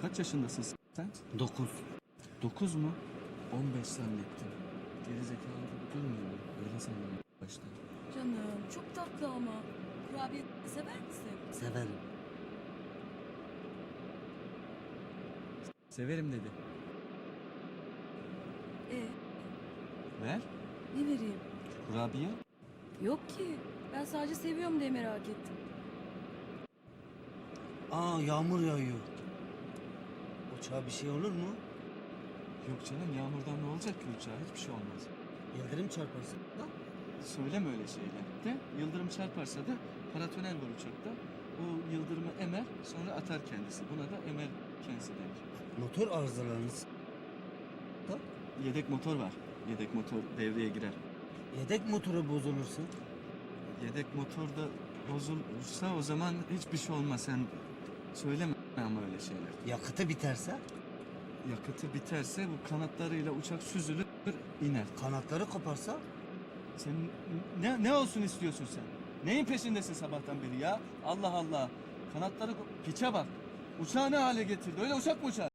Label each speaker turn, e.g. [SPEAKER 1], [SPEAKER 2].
[SPEAKER 1] Kaç yaşındasın sen?
[SPEAKER 2] 9.
[SPEAKER 1] 9 mu? 15 zannettim. Gerizekalı gibi durmuyor mu? Öyle sandım başta.
[SPEAKER 3] Canım çok tatlı ama. Kurabiye sever misin?
[SPEAKER 2] Severim.
[SPEAKER 1] Severim dedi.
[SPEAKER 3] E
[SPEAKER 1] Ver.
[SPEAKER 3] ne vereyim?
[SPEAKER 1] Kurabiye.
[SPEAKER 3] Yok ki. Ben sadece seviyorum diye merak ettim.
[SPEAKER 2] Aa, yağmur yağıyor. Uçağa bir şey olur mu?
[SPEAKER 1] Yok canım, yağmurdan ne olacak ki uçağa? Hiçbir şey olmaz.
[SPEAKER 2] Yıldırım çarparsın. Da.
[SPEAKER 1] Söyleme öyle şeyler. De yıldırım çarparsa da paratonel var uçakta. O yıldırımı emer, sonra atar kendisi. Buna da emer kendisi denir.
[SPEAKER 2] Motor arızalarınız. Da.
[SPEAKER 1] Yedek motor var. Yedek motor devreye girer.
[SPEAKER 2] Yedek motoru bozulursa.
[SPEAKER 1] Yedek motor da bozulursa o zaman hiçbir şey olmaz. Sen söyleme ama öyle şeyler.
[SPEAKER 2] Yakıtı biterse.
[SPEAKER 1] Yakıtı biterse bu kanatlarıyla uçak süzülür iner.
[SPEAKER 2] Kanatları koparsa.
[SPEAKER 1] Sen ne olsun istiyorsun sen? Neyin peşindesin sabahtan beri ya? Allah Allah. Kanatları piçe bak. Uçağı ne hale getirdi? Öyle uçak mı uçar?